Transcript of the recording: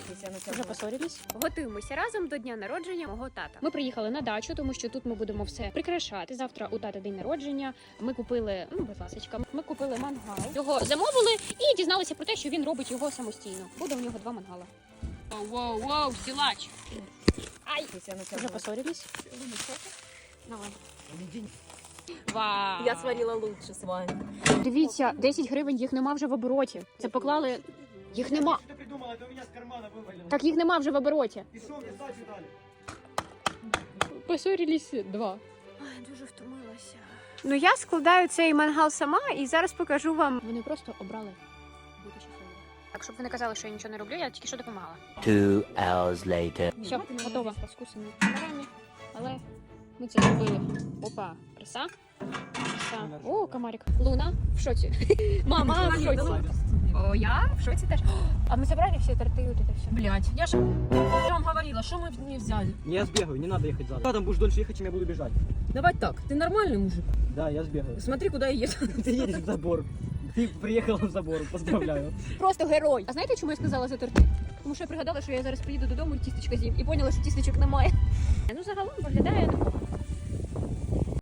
Вже поссорились. Готуємося разом до дня народження мого тата. Ми приїхали на дачу, тому що тут ми будемо все прикрашати. Завтра у тата день народження. Ми купили, будь ласочка, ми купили мангал. Його замовили і дізналися про те, що він робить його самостійно. Буде у нього 2 мангала. Воу, силач. Ай, вже поссорились. Давай. Вау. Я сварила лучше з вами. Дивіться, 10 гривень, їх нема вже в обороті. Це поклали, їх нема. Что ты придумала? Это у меня с кармана вывалило. Так їх нема вже в обороті. И что мне сдачу дали? Поссорились 2. Ой, дуже втомилася. Ну я складаю цей мангал сама і зараз покажу вам. Вони просто обрали бути щасливими. Так, щоб ви не казали, що я нічого не роблю, я тільки що допомагала. 2 hours later. Все, готова. Розкусані камерами, але ми це зробили. Опа, краса. Краса. О, комарик. Луна в шоці. Мама в шоці. О, я в шоці теж. А мы забрали все торты, вот это все. Блять, я же вам говорила, что мы не взяли. Я сбегаю, не надо ехать задом. Там будешь дольше ехать, чем я буду бежать. Давай так, ты нормальный мужик. Да, я сбегаю. Смотри, куда я еду. Ты едешь в забор. Ты приехала в забор, поздравляю. Просто герой. А знаєте, чому я сказала за торти? Тому що я пригадала, що я зараз приїду додому і тістечка з'їм. І поняла, що тістечок немає. Ну, загалом виглядає непогано.